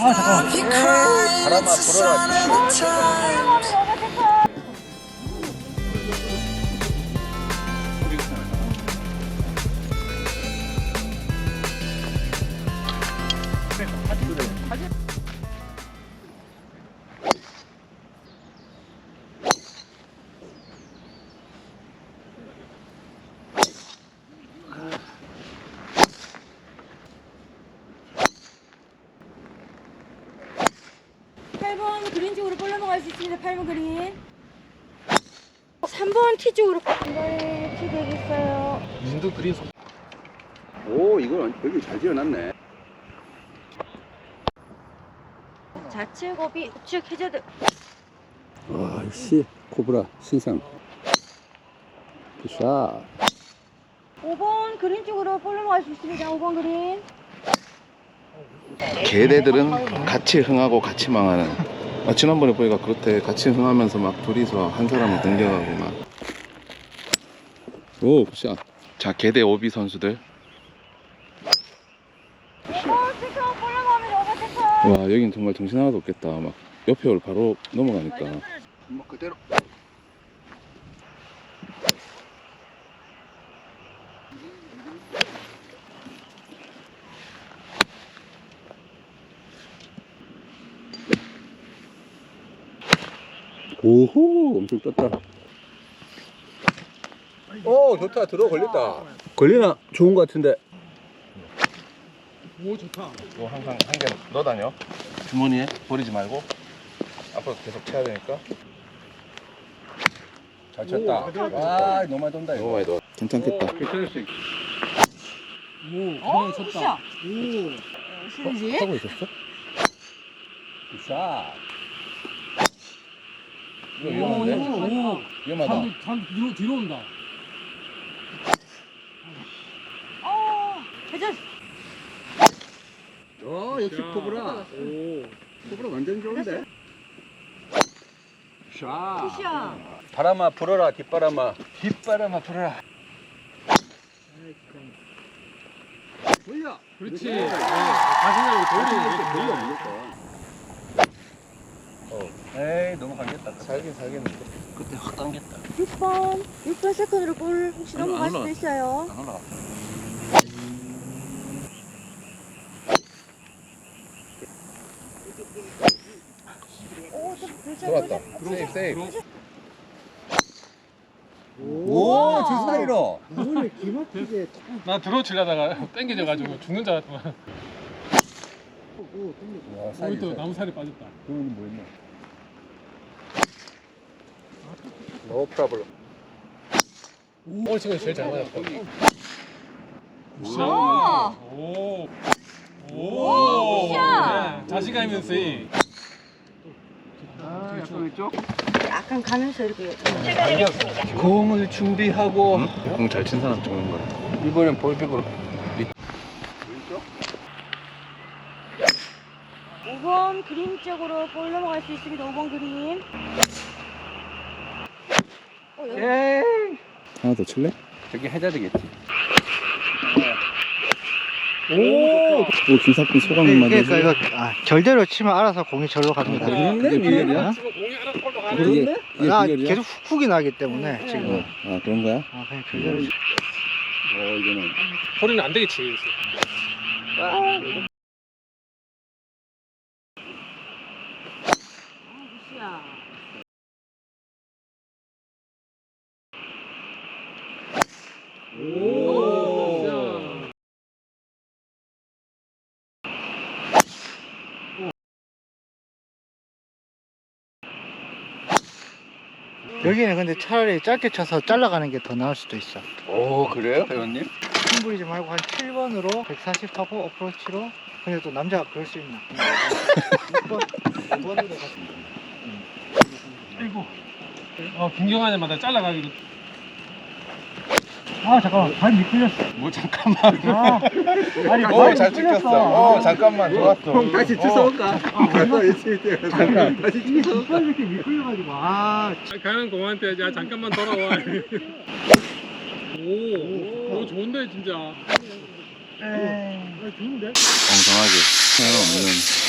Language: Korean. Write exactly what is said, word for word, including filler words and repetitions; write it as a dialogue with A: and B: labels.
A: 아 잠깐만.
B: 바람아 불어라.
C: 팔 번 그린 쪽으로 볼러 넘어갈 수 있습니다. 팔 번 그린. 삼 번 티 쪽으로. 네, 티 되겠어요.
A: 인도 그린 속.
B: 오, 이걸 여기 잘 지어놨네.
C: 좌측 고비, 우측 해저드.
B: 와, 씨, 코브라 신상. 굿샷.
C: 오 번 그린 쪽으로 볼러 넘어갈 수 있습니다. 오 번 그린.
D: 개대들은 같이 흥하고 같이 망하는. 아, 지난번에 보니까 그렇대. 같이 흥하면서 막 둘이서 한 사람을 공격하고 막. 오, 굿샷. 자, 개대 오비 선수들.
C: 오 번 세컨 볼러 넘어가면 오 번 세컨.
D: 와, 여긴 정말 정신 하나도 없겠다. 막 옆에 올 바로 넘어가니까.
B: 뭐 그대로. 오호, 엄청 떴다. 오, 좋다. 들어 걸렸다. 걸리나? 좋은 것 같은데.
A: 오 좋다.
D: 뭐 항상 한 개 넣어 다녀. 주머니에 버리지 말고. 앞으로 계속 쳐야 되니까.
B: 잘 쳤다. 와, 너무 많이 돈다,
D: 너무
B: 이거.
D: 많이 넣어. 괜찮겠다.
B: 괜찮을 수 있
A: 오
C: 어,
A: 쳤다.
C: 샷.
A: 오.
C: 신지.
D: 하고 있었어?
B: 굿샷.
D: 이거 위험한데?
A: 오.
D: 위험하다.
A: 단, 단 뒤로 뒤로 온다.
C: 어, 해저드.
B: 어, 역시 코브라.
A: 오.
B: 코브라 완전 좋은데? 샷.
C: 굿샷.
B: 바람아 불어라, 뒷바람아.
D: 뒷바람아 불어라.
B: 돌려.
A: 그렇지. 네. 자신감이
B: 돌려,
A: 돌리는
B: 돌려, 무조건. 어. 에이, 너무 감겼다.
D: 살긴 살겠는데.
B: 그때 확 당겼다.
C: 육 번. 육 번 세컨으로 볼 혹시
D: 아니,
C: 넘어갈
D: 안
C: 수도
D: 올라가.
C: 있어요.
D: 안 올라가.
C: 오, 좀 불쌍
D: 들어왔다.
C: 불쌍.
D: 세이브 세이브.
B: 오, 저 사이로.
A: 나 들어 치려다가 땡겨져가지고 죽는 줄 알았더만.
B: 와,
A: 거기 또 나무 살이 빠졌다.
B: 그거는 뭐 했나? 노 프라블럼.
A: 오늘 지금 제일 잘 맞았다.
C: 오.
A: 오.
C: 오,
A: 오.
C: 굿샷.
A: 네, 자신감 있는 스윙.
B: 아, 약간 왼쪽?
C: 약간 가면서 이렇게.
B: 공을 준비하고
D: 공 잘 친 사람 찍는 거야.
B: 이번엔 볼빅으로. 왼쪽?
C: 오 번 그린 쪽으로 볼 넘어갈 수 있습니다. 오 번 그린. 어, 여기.
B: 에이.
D: 하나 더 칠래?
B: 저기 해야 되겠지.
D: 오, 오 김사꾼 소감 한마디
E: 그러니까
D: 해줘.
E: 이거 아, 결대로 치면 알아서 공이 절로 갑니다.
B: 그런데 비결이야?
A: 지금 공이 하나 꼴로 가는.
B: 그게, 그게
E: 아,
B: 비결이야?
E: 계속 훅훅이 나기 때문에 지금
D: 아 그런 거야?
E: 아, 그냥 결대로 치-
B: 어, 이거는.
A: 소리는 안 되겠지.
C: 굿샷.
A: 오.
E: 여기는 근데 차라리 짧게 쳐서 잘라가는 게 더 나을 수도 있어.
B: 오, 그래요, 회원님?
E: 큰 부리지 말고 한 칠 번으로 백사십 하고 어프로치로. 근데 또 남자가 그럴 수 있나? 육 번, 오 번으로 가서.
A: 아이고. 어 김경환님마다 잘라가기로.
E: 아 잠깐만 발 미끌렸어.
D: 뭐 잠깐만.
E: 아, 아니
D: 오 잘 찍혔어. 어 잠깐만 좋았어.
B: 형 다시 주워올까? 가서 있을 때 잠깐 다시
E: 이게
B: 주워올까?
E: 두번 이렇게 미끌려가지고 아
A: 가는 공한테 야 잠깐만 돌아와. 오, 오 좋은데 진짜.
E: 에이.
D: 엉성하게. 하나 없는.